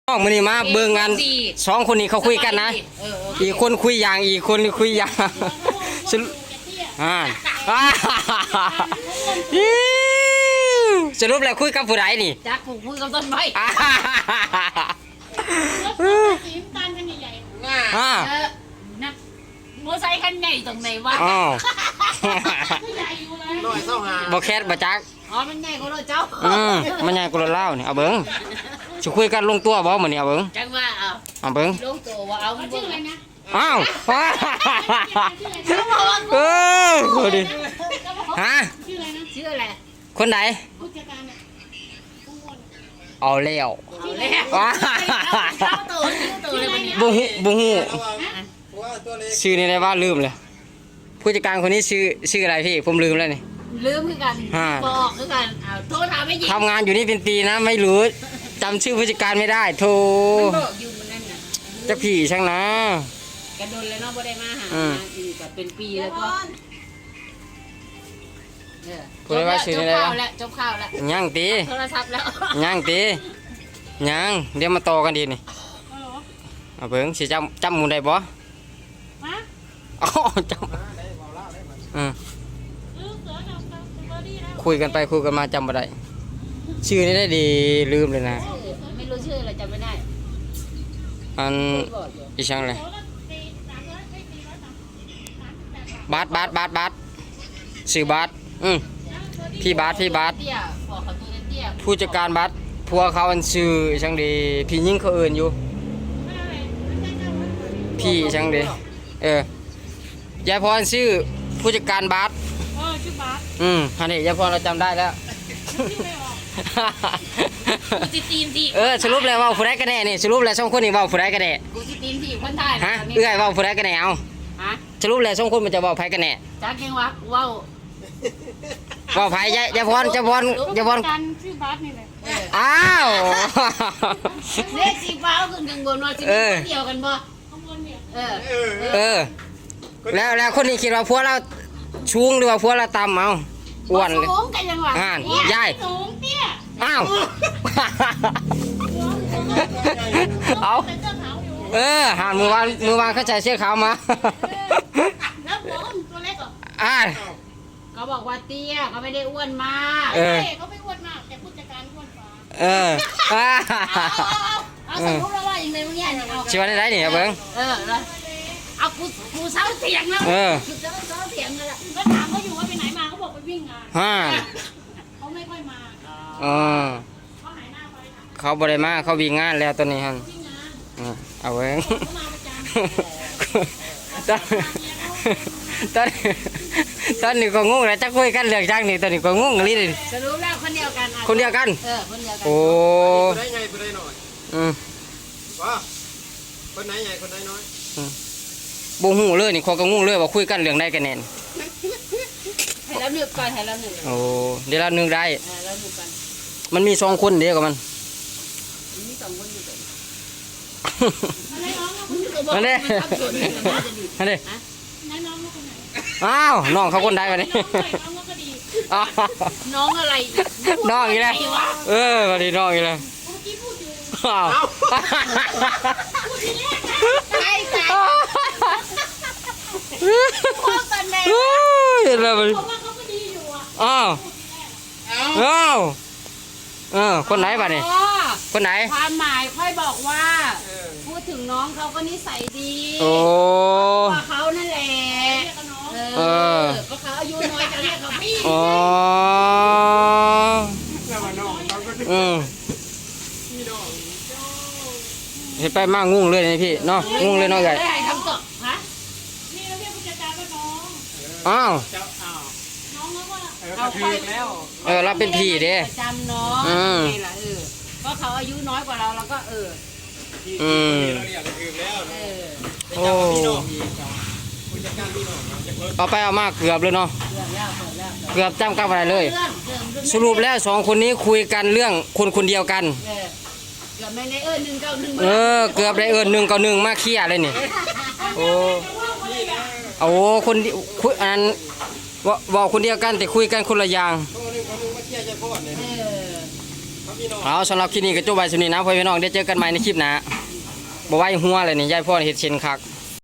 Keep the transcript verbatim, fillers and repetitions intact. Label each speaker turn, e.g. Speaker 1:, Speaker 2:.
Speaker 1: น้องมือนี้มาเบิ่งงานสองคนนี้เขาคุยกันนะอีกคนคุยอย่างอีกคนคุยอย่างสรุปอ่าสรุปแล้วคุยกับผู้ใดนี่
Speaker 2: จักคุยกับต้นไม้
Speaker 3: สีน้ำตาลกันใหญ่
Speaker 1: ๆอ่า
Speaker 2: นักมอไซค์คันใหญ่ตรงไหนวะ
Speaker 1: อ๋อ
Speaker 3: ใหญ่อยู่เลย
Speaker 4: น้อยเศร้าหา
Speaker 1: บ่แคสบ่จัก
Speaker 2: อ๋อมันใหญ่กว่าเราเจ้า
Speaker 1: อืมมันใหญ่กว่าเล่านี่เอาเบิ่งสิคุยกันลงตัวบ่มื้อนี้เอาเบิ่ง
Speaker 2: จังว่าเอา
Speaker 1: เอาเบิ่ง
Speaker 2: ลงตัวว่าเอา
Speaker 3: ชื่ออะไรนะ
Speaker 1: อ้าวเออดิฮะ
Speaker 3: ชื่ออะไรนะ
Speaker 2: ชื่ออะไร
Speaker 1: คนไหน
Speaker 3: ผู้จัดการเนี่ยผู้วน
Speaker 1: เอาแล้ว
Speaker 2: เอาแล้วเอาตัวชื่อตัวเลยวันนี้
Speaker 1: บุฮูบุฮู
Speaker 4: ว่าตัวเล็ก
Speaker 1: ชื่อนี่ได้ว่าลืมเลยผู้จัดการคนนี้ชื่อชื่ออะไรพี่ผมลืมแล้วนี่
Speaker 2: ลืมคือกันบอกคือกันเอาโทษถามไม่ยิง
Speaker 1: ทำงานอยู่นี่เป็นปีนะไม่รู้จำชื่อผู้จัดการไม่ได้โทร
Speaker 2: มันบอกอยู่มันนั่นน่ะ
Speaker 1: จะผีช่างนะ
Speaker 2: กระโดนเลยเนาะบ่ได้มาหาอีกแบบเป็นปีแล้วก็จบข่าวแล้วจบข่าวแล้ว
Speaker 1: ย่างตี
Speaker 2: โทรศัพท์แล้ว
Speaker 1: ย่างตีย่างเดี๋ยวมาต่อกันดีนี่
Speaker 3: ฮัลโหล
Speaker 1: เอาเบิ่งสิจำจำหมูได้บ่
Speaker 3: ฮะ
Speaker 1: อ๋อจำอืม
Speaker 3: ซื้อเสือกับเบอร์ดี้แล้ว
Speaker 1: คุยกันไปคุยกันมาจำบ่ได้ชื่อนี้ได้ดีลืมเลยนะ
Speaker 2: ไม่รู้ชื่ออะไรจำไม่ได้
Speaker 1: อัน
Speaker 2: บอกอยู่
Speaker 1: อีช่างเลย
Speaker 3: โอ้ก็ตีสามร้อยไม่ตีร้อยสามสามสิบแปดบาท
Speaker 1: บาสบาสบาสบาสชื่อบาสอืมพี่บาสพี่บาส
Speaker 2: เตี้ยบอกเขาตัวเตี้ย
Speaker 1: ผู้จัดการบาสพัวเขาอันชื่อช่างดีพี่ยิ่งเขาเอื่นอยู่
Speaker 3: ไม่อะไรไม่ใช่เจ้าวัด
Speaker 1: พี่ช่างดีเออยายพรชื่อผู้จัดการบาส
Speaker 3: เออชื่อบาส
Speaker 1: อืมฮันนี่ยายพรเราจำได้แล้ว
Speaker 3: ชื่อไม่ออก
Speaker 2: กูจิตีนที่
Speaker 1: เออสรุปแล้วว่าผู้ใดกันแน่นี่สรุปแล้วสองคนนี่ว่าผู้ใดกันแน่
Speaker 2: กูจิตีนที่คนไทย
Speaker 1: ฮะเอื้อยว่าผู้ใดกันแน่เอา
Speaker 2: ฮะ
Speaker 1: สรุปแล้วสองคนมันจะว่าไผกันแน่
Speaker 2: จักยังวะว้าว
Speaker 1: ว่าไผยายยายพรยายพรยายพร
Speaker 3: การชื่อบาสนี่แหละ
Speaker 1: อ้าว
Speaker 2: เลขสีฟ้าขึ้นข้างบนว่าสิเดียวกันบ่
Speaker 3: ข้างบนเนี่ย
Speaker 2: เออ
Speaker 1: เออแล้วแล้วคนนี้คิดว่าพวกเราชูงหรือว่าพวกเราต่ำเอาอ้วนเลย
Speaker 2: สูงกันยังวะ
Speaker 1: อ่านยาย
Speaker 3: สูงเตี้ย
Speaker 1: อ้าวเอา
Speaker 3: ใส่เสื้อขาวอยู่
Speaker 1: เออหานมือวานมือวานเขาใส่เสื้อขาวมา
Speaker 3: แล้วหัวเขาตัวเล็กเหรอ
Speaker 1: อ่า
Speaker 2: เขาบอกว่าเตี้ยเขาไม่ได้อ้วนมาก
Speaker 1: เออ
Speaker 3: เฮ้ยเขาไม่อ้วนมากแต่ผู้จัดการอ้วนกว่า
Speaker 1: เอออ่า
Speaker 2: เอาสมมติว่าอย่างไรมึงเนี่ยเอา
Speaker 1: ชิวันได้นี่ครับเบิ้ง
Speaker 2: เออแล้วเอากูกูเศร้าเสียงแล้ว
Speaker 1: เออ
Speaker 2: กูเศร้าเศร้าเสียงแล้ว
Speaker 3: ก็ถามเขาอยู่ว่าไปไหนมาเขาบอกไปวิ่งงาน
Speaker 1: ฮ่า
Speaker 3: เขาไม่ค่อยมา
Speaker 1: อ๋อ
Speaker 3: เขาหายหน้าไปค่ะ
Speaker 1: เขาบริมาเขาวิ่งงานแล้วตอนนี้ฮัน
Speaker 3: วิ่งงาน
Speaker 1: อ่าเอาเบิ้ง
Speaker 3: เขามาประจำ
Speaker 1: ตอนตอนตอนนี้ก็งงแล้วจะคุยกันเรื่องจังนี่ตอนนี้ก็งงเลย
Speaker 2: สรุปแล้วคนเดียวกัน
Speaker 1: คนเดียวกัน
Speaker 2: เออคนเดียวกัน
Speaker 1: โอ้
Speaker 4: คนไหนใหญ่คนไหนน้อย
Speaker 1: อืม
Speaker 4: ว่าคนไหนใหญ่คนไหนน้อย
Speaker 1: บ่ฮู้เลยนี่เขาก็งงเลยว่าคุยกันเรื่องใดกันแน่น
Speaker 2: ให้เราหนึ่งก่อนให้เราหนึ่ง
Speaker 1: โอ้เดี๋ยวเรานึงได้
Speaker 2: เออเราหนึ่งก่อน
Speaker 1: มันมีสองคนเดียวกับมัน
Speaker 2: มีสองคนอยู่กัน
Speaker 3: อะไรน้องเขา
Speaker 1: นั่นเด้ นั่นเด้
Speaker 3: ไหนน้องเขาคนไหน
Speaker 1: อ้าวน้องเขาคนใดวะนี่
Speaker 3: น้องเขาก็ดี
Speaker 1: อ้าว
Speaker 2: น้องอะไร
Speaker 1: น้องอีกแล้วเออวันนี้น้องอีกแล้ว
Speaker 3: เมื่อกี้พูดอยู่
Speaker 1: อ้าว
Speaker 3: พูดทีแรกนะ
Speaker 2: ใช่ใช่พ่อกันเลย
Speaker 1: โอ้ยเห็นแล้วมัน
Speaker 3: บอกว่าเขาก็ดีอยู่อ่ะ
Speaker 1: อ้าวอ้าวเออคนไหนบ้านี่
Speaker 2: อ๋อ
Speaker 1: คนไหน
Speaker 2: ความหมายค่อยบอกว่า พูดถึงน้องเขาก็นิสัยดี
Speaker 1: โอ้
Speaker 2: ว่าเขานั่นแหละ
Speaker 3: เรียกกับน้อง
Speaker 2: เออก็เขาอายุน้อยจะเรียกเขาพี่
Speaker 1: อ๋อ
Speaker 4: แล้วว่าน้องเขาก็
Speaker 1: อืม
Speaker 4: พี่น้อง
Speaker 1: เห็นไปมากงุ้งเลยนี่พี่เนาะงุ้งเลยเนาะใหญ่
Speaker 2: ได้คำตอบฮะ
Speaker 3: นี่เราเรียกผู้จัดการว่าน้อง
Speaker 1: อ้าว
Speaker 4: เจ้าอ้าว
Speaker 3: น้องแล้วว่า
Speaker 4: เออก็ถือแล้ว
Speaker 1: เออเราเป็นพี่เด้
Speaker 2: ประจำน้อง
Speaker 1: อืม
Speaker 2: นี่แหละเออก็เขาอายุน้อยกว่าเราเราก็เออ
Speaker 4: ที่
Speaker 1: อืม
Speaker 4: เราเรียกก็ถือแล้ว
Speaker 2: เอ
Speaker 4: เนาะ
Speaker 2: อ
Speaker 4: เป็นเจ้าพี่น้องอีกครับผู้จัดการพี่น้องเนาะจะเพิ่ม
Speaker 1: เอาไปเอามาเกือบเลยเนาะ
Speaker 2: เรื่องแล้วเรื่องแล้ว
Speaker 1: เกือบจำกับอะไรเลย
Speaker 2: เรื่องเรื่องเรื่อง
Speaker 1: สรุปแล้วสองคนนี้คุยกันเรื่องคนคนเดียวกัน
Speaker 2: เออเกือบไม่ได้เออหนึ่งเก้าหนึ่ง
Speaker 1: เออเกือบได้เอินหนึ่งกับหนึ่งมาเคลียร์เลยนี่โอ้โอ้คนเดียวคุยอันว่าบอกคนเดียวกันแต่คุยกันคนละอย่าง
Speaker 4: เขาหนึ่งเขาหนึ่งมาเที่ยวใจพ่อเนี่ย
Speaker 2: เออ
Speaker 4: เขามีน้อง
Speaker 1: เอาสำหรับคลิปนี้ก็จบไว้สำนี้นะพ่อพี่น้องได้เจอกันใหม่ในคลิปหน้าบ่ไหวหัวเลยนี่ยายพ่อเฮ็ดเช่นคัก